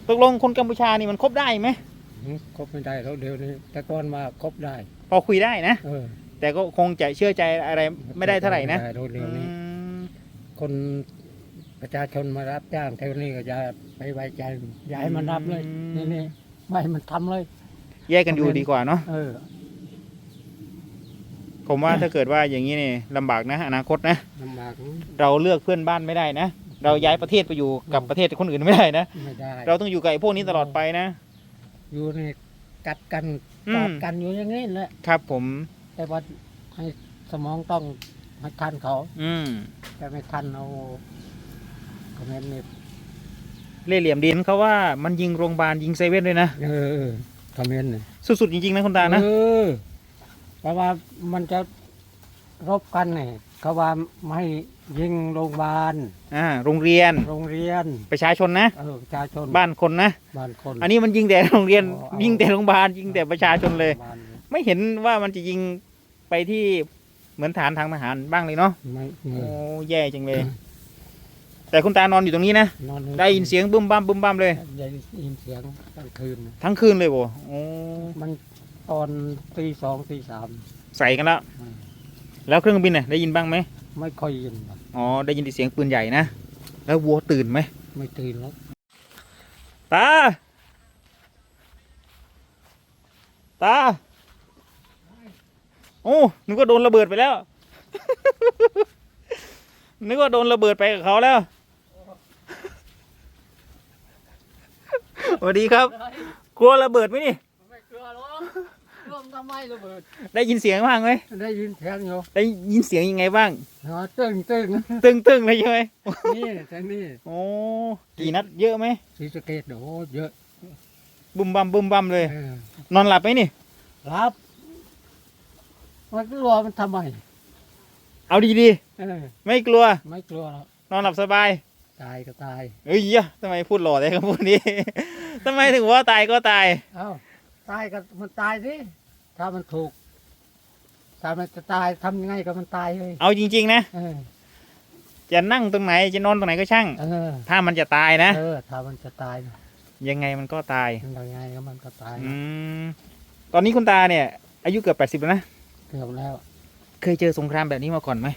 ตกลงคนกัมพูชานี่มันคบได้ไหมคบไม่ได้แล้วเดี๋ยวนี้แต่ก่อนมาคบได้พอคุยได้นะเออแต่ก็คงจะเชื่อใจอะไรไม่ได้เท่าไหร่นะเดี๋ยวนี้คนประชาชนมารับจ้างแถวนี้ก็จะไปไว้ใจอย่าให้มันรับเลยนี่ไม่ให้มันทำเลยแยกกันอยู่ดีกว่าเนาะผมว่าถ้าเกิดว่าอย่างนี้นี่ลำบากนะอนาคตนะลำบากเราเลือกเพื่อนบ้านไม่ได้นะเราย้ายประเทศไปอยู่กับประเทศคนอื่นไม่ได้นะไม่ได้เราต้องอยู่กับไอ้พวกนี้ตลอดไปนะอยู่ในกัดกันกอดกันอยู่อย่างนี้แหละครับผมแต่ว่าให้สมองต้องให้ทันเขาแต่ไม่ทันเอาคอมเมนต์นี่เล่ห์เหลี่ยมดินเขาว่ามันยิงโรงพยาบาลยิงเซเว่นด้วยนะคอมเมนต์นี่สุดๆจริงๆนะคุณตานะเพราะว่ามันจะรบกันเนี่ยเขาว่าไม่ยิงโรงพยาบาลโรงเรียนประชาชนนะประชาชนบ้านคนนะบ้านคนอันนี้มันยิงแต่โรงเรียนยิงแต่โรงพยาบาลยิงแต่ประชาชนเลยไม่เห็นว่ามันจะยิงไปที่เหมือนฐานทางทหารบ้างเลยเนาะโอ้แย่จังเลยแต่คุณตานอนอยู่ตรงนี้นะได้ยินเสียงบึ้มบั้มบึ้มบั้มเลยได้ยินเสียงทั้งคืนเลยโว้โอ้มันตอนตี 2 ตี 3 ใส่กันแล้วเครื่องบินได้ยินบ้างไหมไม่ค่อยยินอ๋อได้ยินเสียงปืนใหญ่นะแล้ววัวตื่นไหมไม่ตื่นแล้วตาโอ้นึกว่าโดนระเบิดไปแล้วนึกว่าโดนระเบิดไปกับเขาแล้วสวัสดีครับกลัวระเบิดไหมนี่ไม่กลัวหรอกร่มทำไมระเบิดได้ยินเสียงบ้างไหมได้ยินเสียงอยู่ได้ยินเสียงยังไงบ้างตึ้งเลยใช่ไหมนี่แต่นี่โอ้กี่นัดเยอะไหมศรีสะเกษโอ้เยอะบุ้มบัมเลยนอนหลับไหมนี่หลับมันกลัวมันทำไมเอาดีๆไม่กลัวหรอกนอนหลับสบายตายก็ตายเอ้ยทำไมพูดหล่อเลยคำพูดนี้ทำไมถึงว่าตายก็ตายตายก็มันตายสิถ้ามันถูกถ้ามันจะตายทำยังไงก็มันตายเลยเอาจริงๆนะจะนั่งตรงไหนจะนอนตรงไหนก็ช่างถ้ามันจะตายนะถ้ามันจะตายยังไงมันก็ตายยังไงก็มันก็ตายตอนนี้คุณตาเนี่ยอายุเกือบ80แล้วนะเกือบแล้วเคยเจอสงครามแบบนี้มาก่อนไหม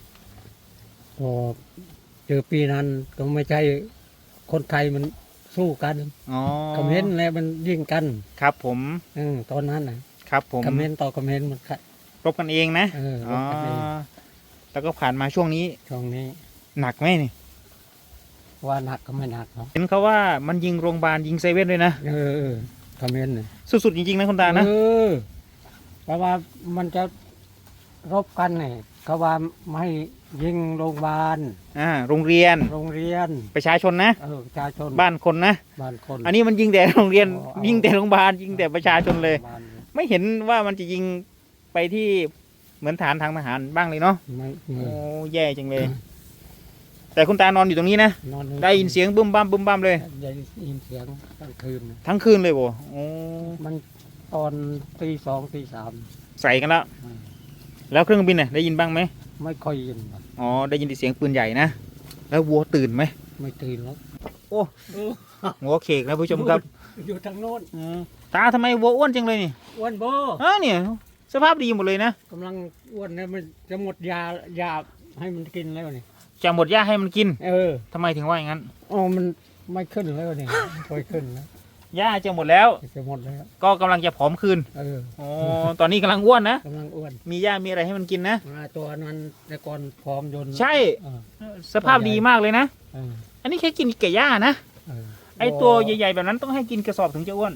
เจอปีนั้นก็ไม่ใช่คนไทยมันสู้กันคอมเมนต์แล้วมันยิงกันครับผมตอนนั้นนะครับผมคอมเมนต์ต่อคอมเมนต์มันรบกันเองนะแล้วก็ผ่านมาช่วงนี้หนักไหมนี่ว่าหนักก็ไม่หนักเนาะเห็นเขาว่ามันยิงโรงพยาบาลยิงเซเว่นด้วยนะคอมเมนต์สุดๆจริงๆนะคุณตานะเพราะว่ามันจะรบกันเนี่ยเขาว่าไม่ยิงโรงพยาบาลโรงเรียนประชาชนนะประชาชนบ้านคนนะอันนี้มันยิงแต่โรงเรียนยิงแต่โรงพยาบาลยิงแต่ประชาชนเลยไม่เห็นว่ามันจะยิงไปที่เหมือนฐานทางทหารบ้างเลยเนาะโอ้แย่จังเลยแต่คุณตานอนอยู่ตรงนี้นะได้ยินเสียงบึ้มบั้มเลยได้ยินเสียงทั้งคืนเลยโว้โอ้มันตอนตี 2 ตี 3 ใส่กันแล้วเครื่องบินได้ยินบ้างไหมไม่ค่อยยินอ๋อได้ยินเสียงปืนใหญ่นะแล้ววัวตื่นไหมไม่ตื่นแล้วโอ้หัวเขกนะผู้ชมครับอยู่ทางโน้นตาทำไมวัวอ้วนจังเลยนี่อ้วนโบเนี่ยสภาพดีหมดเลยนะกำลังอ้วนนะมันจะหมดยาให้มันกินแล้วนี่จะหมดหญ้าให้มันกินทำไมถึงว่าอย่างนั้นมันไม่ขึ้นแล้วนี่ค่อยขึ้นนะหญ้าจะหมดแล้วก็กำลังจะผอมคืนตอนนี้กำลังอ้วนนะมีหญ้ามีอะไรให้มันกินนะตัวนั้นแต่ก่อนผอมยนใช่สภาพดีมากเลยนะอันนี้แค่กินแก่หญ้านะไอตัวใหญ่ๆแบบนั้นต้องให้กินกระสอบถึงจะอ้วน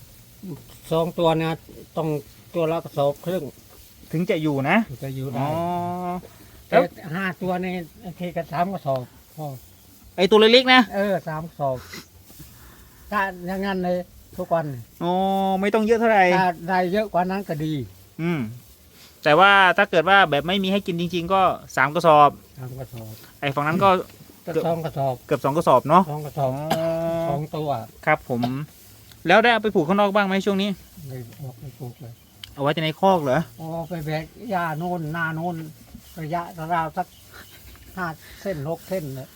2 ตัวนะต้องตัวละกระสอบครึ่งถึงจะอยู่นะจะอยู่ได้แต่5 ตัวในทีกัน3 กระสอบไอตัวเล็กๆนะ 3 กระสอบถ้าอย่างนั้นเลยทุกวันไม่ต้องเยอะเท่าไหร่ถ้าได้เยอะกว่านั้นก็ดีแต่ว่าถ้าเกิดว่าแบบไม่มีให้กินจริงๆก็3 กระสอบไอฝั่งนั้นก็ 2 กระสอบเกือบ2 กระสอบเนาะ 2 กระสอบ2 ตัวครับผมแล้วได้เอาไปผูกข้างนอกบ้างไหมช่วงนี้ไม่ผูกเลยเอาไว้ในคอกเหรอไปแบกหญ้าโน่นหน้าโน่นระยะราวสัก5 เส้น 6 เส้นเลย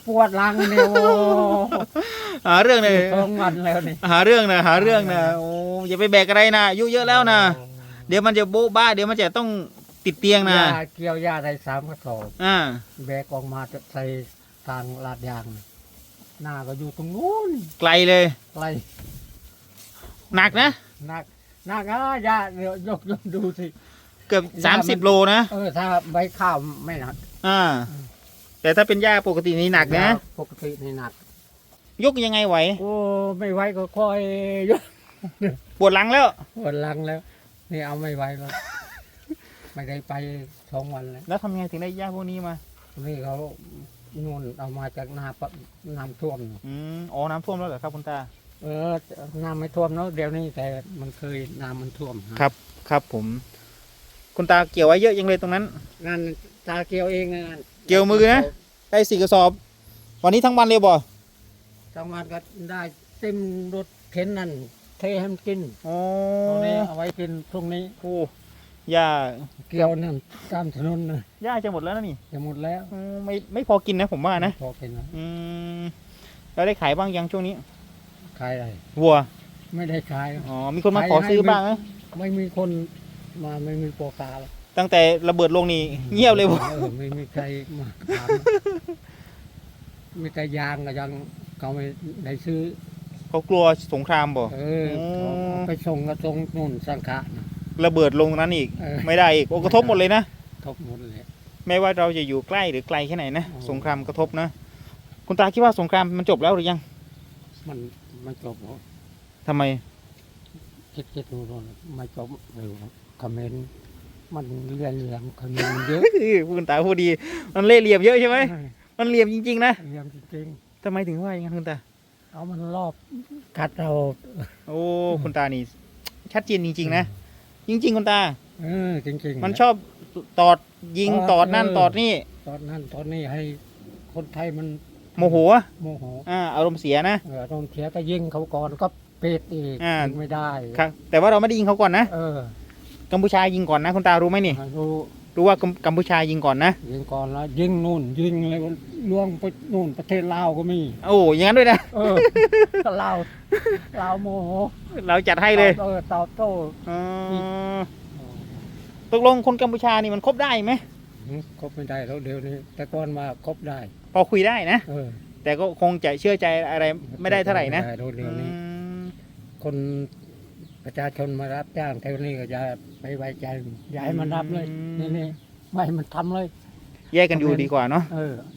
ปวดหลังเนี่ยโอ้หาเรื่องเลยท้องวันแล้วนี่หาเรื่องนะโอ้อย่าไปแบกอะไรนะอายุเยอะแล้วนะเดี๋ยวมันจะโบ๊ะบ้าเดี๋ยวมันจะต้องติดเตียงนะยาเกี่ยวยาได้3 กระสอบอ่าแบกออกมาจะใส่ทางลาดยางน่ะหน้าก็อยู่ตรงนู้นไกลเลยไกลหนักนะหนักยาเดี๋ยวยกดูสิเกือบ30 โลนะถ้าใบข้าวไม่หนักอ่าแต่ถ้าเป็นหญ้าปกตินี่หนักนะปกตินี่หนักยกยังไงไหวโอ้ไม่ไหวก็ค่อยยกปวดหลังแล้วปวดหลังแล้ว นี่เอาไม่ไหวแล้ว ไม่ได้ไป2 วันแล้วแล้วทำยังไงถึงได้หญ้าพวกนี้มานี่เขานู่นเอามาจากนาปะน้ำท่วมอ๋อน้ำท่วมแล้วเหรอครับคุณตาน้ำไม่ท่วมเนาะเดี๋ยวนี้แต่มันเคยน้ำมันท่วมครับผม คุณตาเกี่ยวไว้เยอะยังเลยตรงนั้นนั่นตาเกี่ยวเองนะนั่นเกี่ยวมือนะ ได้4 กระสอบ วันนี้ทั้งวันเลยบ่ทั้งวันก็ได้เต็มรถเข็นนั่นเทให้มันกินอ๋อตรงนี้เอาไว้กินพรุ่งนี้โอ้หญ้าเกี่ยวนั่นตามถนนนะหญ้าจะหมดแล้วนะนี่จะหมดแล้วไม่พอกินนะผมว่านะพอกินแล้วแล้วได้ขายบ้างยังช่วงนี้ขายอะไรวัวไม่ได้ขายอ๋อมีคนมาขอซื้อบ้างนะไม่มีคนมาไม่มีโปรกาแล้วตั้งแต่ระเบิดลงนี่เงียบเลยบ่ไม่มีใครมาถามมีแต่ยางก็ยังเขาไม่ได้ซื้อเขากลัวสงครามบ่เอาไปส่งก็ส่งนู่นสังขะนะระเบิดลงตรงนั้นอีกเออไม่ได้อีกโอ้กระทบหมดเลยนะทบหมดเลยไม่ว่าเราจะอยู่ใกล้หรือไกลแค่ไหนนะอ๋อสงครามกระทบนะคุณตาคิดว่าสงครามมันจบแล้วหรือยังมันจบแล้วทำไมคิดดูนู่นไม่จบเร็วคอมเมนต์มันเรียนเหลี่ยมคอมเมนต์มันเยอะคุณตาพูดดีมันเล่ห์เหลี่ยมเยอะใช่ไหมมันเหลี่ยมจริงๆนะเหลี่ยมจริงทำไมถึงว่าอย่างนั้นคุณตาๆเอามันรอบกัดเราโอ้คุณตานี่ชัดเจนจริงๆนะจริง ๆ คุณตาจริงๆมันชอบตอดยิงตอดนั่นตอดนี่ตอนนั้นตอนนี้ให้คนไทยมันโมโหโมโหอารมณ์เสียนะตอนเสียก็ยิงเขาก่อนก็เป็ดอีกอ่ายิงไม่ได้ครับแต่ว่าเราไม่ได้ยิงเขาก่อนนะเออกัมพูชายิงก่อนนะคุณตารู้ไหมนี่รู้รู้ว่ากัมพูชายิงก่อนนะยิงก่อนแล้วยิงนู่นยิงอะไรล่วงไปนู่นประเทศลาวก็มีโอ้อย่างนั้นด้วยนะก็ลาวโมโหเราจัดให้เลยตอบโต้อ๋อตกลงคนกัมพูชานี่มันคบได้ไหมคบไม่ได้แล้วเดี๋ยวนี้ แต่ก่อนมาคบได้พอคุยได้นะเออแต่ก็คงจะเชื่อใจอะไรไม่ได้เท่าไหร่นะม่ด้เดี๋ยวนี้มคนประชาชนมารับจ้างแถวนี้ก็จะไปไว้ใจอย่าให้มันรับเลยนี่ไม่ให้มันทำเลยแยกกันอยู่ดีกว่าเนาะ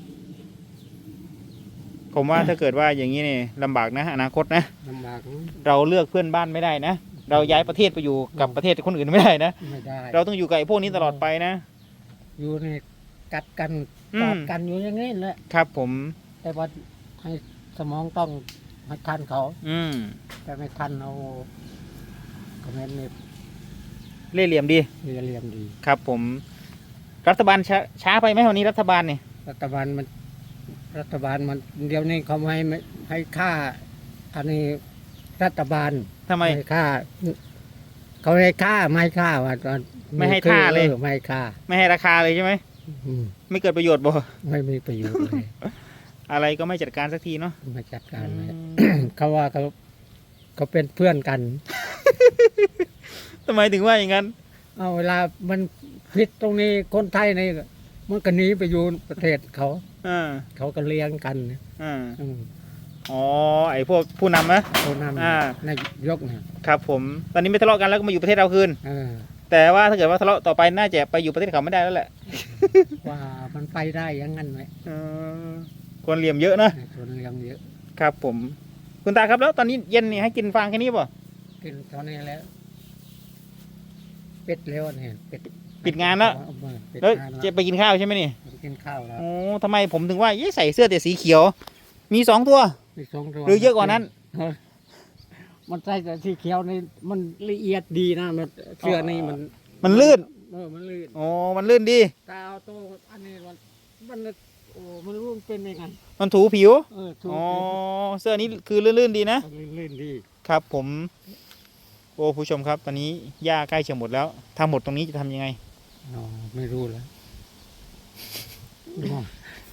ผมว่าถ้าเกิดว่าอย่างนี้นี่ลำบากนะอนาคตนะลำบากเราเลือกเพื่อนบ้านไม่ได้นะ เราย้ายประเทศไปอยู่กับประเทศคนอื่นไม่ได้นะไม่ได้เราต้องอยู่กับไอ้พวกนี้ตลอดไปนะอยู่ในกัดกันอืมกอดกันอยู่อย่างนี้แหละครับผมแต่ว่าให้สมองต้องให้ทันเขาอืมแต่ไม่ทันเอาคอมเมนต์นี่เล่ห์เหลี่ยมดีเรียมดีครับผม รัฐบาลช้าไปไหมวันนี้รัฐบาลเนี่ยรัฐบาลมันเดี๋ยวนี้เขาไม่ให้ค่าอันนี้รัฐบาลทำไมให้ค่าเขาให้ค่าไม่ให้ค่าว่าตอนไม่ให้ค่าเลยไม่ให้ค่าไม่ให้ราคาเลยใช่ไหมอืมไม่เกิดประโยชน์บ่ไม่มีประโยชน์เลยอะไรก็ไม่จัดการสักทีเนาะมาจัดการเลยอืมเขาว่าเขาเป็นเพื่อนกันทำไมถึงว่าอย่างนั้นเอาเวลามันผิดตรงนี้คนไทยนี่มันก็หนีไปอยู่ประเทศเขาอ่าเขาก็เลี้ยงกันอ่าอืมอ๋อ ไอ้พวกผู้นำนะเขานอ่าำนายกเนี่ยครับผม ตอนนี้ไม่ทะเลาะกันแล้วก็มาอยู่ประเทศเราคืนเออแต่ว่าถ้าเกิดว่าทะเลาะต่อไปน่าจะไปอยู่ประเทศเขาไม่ได้แล้วแหละว่ามันไปได้อยังงั้นไหมควรเหลี่ยมเยอะนะส่วนเลี้ยงเยอะครับผม คุณตาครับแล้วตอนนี้เย็นนี่ให้กินฟางแค่นี้ป่ะกินตอนนี้แล้ว เป็ดแล้วเนี่ยเป็ดปิดงานแล้วเอามาปิดแล้วงานจะไปกินข้าวใช่ไหมนี่กินข้าวแล้วโอ้ทำไมผมถึงว่าใส่เสื้อแต่สีเขียว มี2 ตัวมีสองตัวหรือเยอะกว่านั้นเออมันใส่แต่สีเขียวนี่มันละเอียดดีนะมันเสื้อนี่มันมันลื่นมันลื่นโอ้มันลื่นดีตาเอาตัวอันนี้มันโอ้มันรู้มันเป็นยังไงมันถูผิวถูกอ๋อ เสื้อนี้คือลื่นๆดีนะลื่นดีครับผม โอ้ผู้ชมครับ ตอนนี้หญ้าใกล้จะหมดแล้ว ถ้าหมดตรงนี้จะทำยังไงอ๋อไม่รู้แล้ว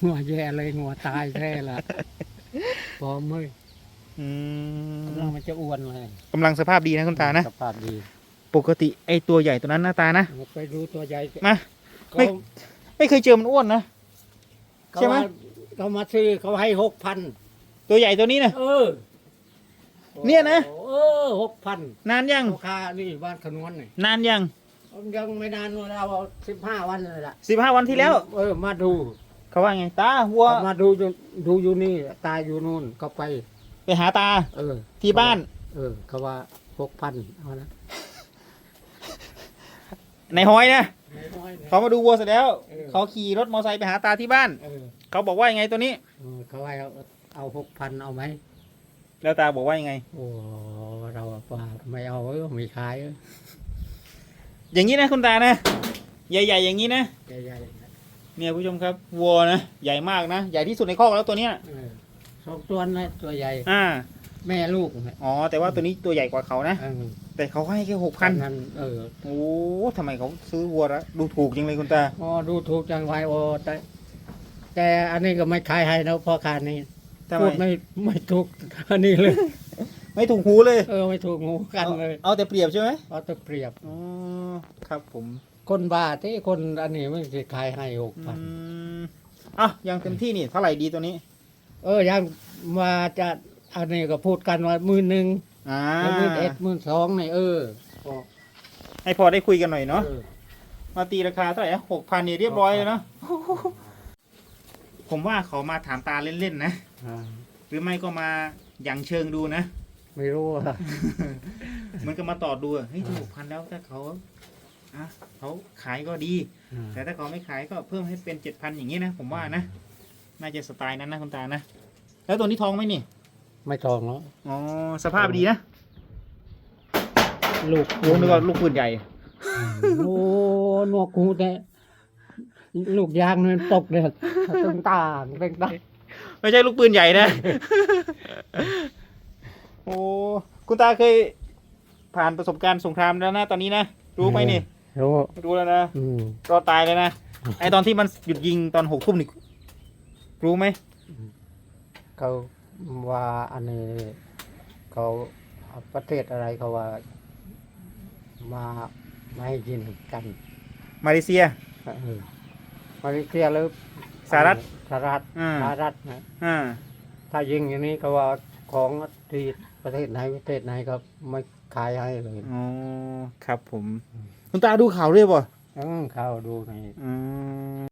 งัวแย่เลยงัวตายแท้ละพอมืออืกำมลังมันจะอ้วนเลยกำลังสภาพดีนะคุณตานะสภาพดีปกติไอตัวใหญ่ตัวนั้นหน้าตานะไปดูตัวใหญ่มาเขาไม่เคยเจอมันอ้วนนะ ใช่ไหมเขามาซื้อเขาให้6,000 ตัวใหญ่ตัวนี้นะเออเนี่ยนะเออ6,000 นานยังราคานี่บ้านขนวนนี่นานยังยังไม่นานเรา15 วันเลยล่ะ 15 วันที่แล้วเออมาดูเขาว่าไงตาวัวเขามาดูอยู่นี่ตายอยู่นู่นก็ไปไปหาตาเออที่บ้านเออเขาว่า6,000เอานะในห้อยนะน้อยๆนะเขามาดูวัวเสร็จแล้วเออเขาขี่รถมอเตอร์ไซค์ไปหาตาที่บ้านเออเขาบอกว่ายังไงตัวนี้เขาให้เอา6,000เอาไหมแล้วตาบอกว่ายังไงโอ้เราว่าไม่เอาไม่ขายอย่างนี้นะคุณตานะ ใหญ่ๆอย่างนี้นะใหญ่ๆนะเนี่ยผู้ชมครับวัวนะใหญ่มากนะใหญ่ที่สุดในคอกแล้วตัวเนี้ยเออ2 ตัวนะตัวใหญ่อ่าแม่ลูกนะอ๋อแต่ว่าตัวนี้ตัวใหญ่กว่าเขานะเออแต่เขาให้แค่6,000 นั้นเออโอ้ทำไมเขาซื้อวัวแล้วดูถูกจริงเลยคุณตาอ๋อดูถูกจังไวโอแต่อันนี้ก็ไม่ขายให้นะพ่อค้านี่ทำไมพูดไม่ถูกอันนี้เลยไม่ถูกหูเลยเออไม่ถูกงูกันเลยเอาแต่เปรียบใช่ไหมเอาแต่เปรียบอ๋อครับผมคนบ้าที่คนอันนี้ไม่ได้ขายให้อื 6,000 มอ่ะยังเต็มที่นี่เท่าไหร่ดีตัวนี้ยังมาจะอันนี้ก็พูดกันว่า11,000 อ่าแล้ว11,000 12,000นี่พอให้พอได้คุยกันหน่อยเนาะเออมาตีราคาเท่าไหร่6,000นี่เรียบร้อยเลยเนาะผมว่าเขามาถามตาเล่นๆนะอ่าหรือไม่ก็มาอย่างเชิงดูนะไม่รู้ว่าเหมือนกับมาต่อดูอะเฮ้ยถูก6,000แล้วถ้าเขาอ่ะเขาขายก็ดี แต่ถ้าเขาไม่ขายก็เพิ่มให้เป็น7,000อย่างนี้นะผมว่านะน่าจะสไตล์นั้นนะคุณตานะแล้วตัวนี้ทองไหมนี่ไม่ทองแล้วอ๋อสภาพดีนะลูกโอ้นึกว่าลูกปืนใหญ่โอ้หนวกหูแต่ลูกยางมันตกเลยตึงต่างตึงต่างไม่ใช่ลูกปืนใหญ่นะ โอ้คุณตาเคยผ่านประสบการณ์สงครามแล้วนะตอนนี้นะรู้ไหมนี่รู้รู้แล้วนะอืมรอดตายเลยนะไอตอนที่มันหยุดยิงตอน6 ทุ่มนี่รู้ไหมเขาว่าอันนี้เขาประเทศอะไรเขาว่ามาไม่ให้ยินกันมาเลเซียเออมาเลเซียหรือสหรัฐสหรัฐอ่าสหรัฐนะอ่าถ้ายิงอย่างนี้ก็ว่าของที่ประเทศไหนก็ไม่ขายให้เลยอ๋อครับผมคุณตาดูข่าวด้วยป่ะเข้าดูในอืม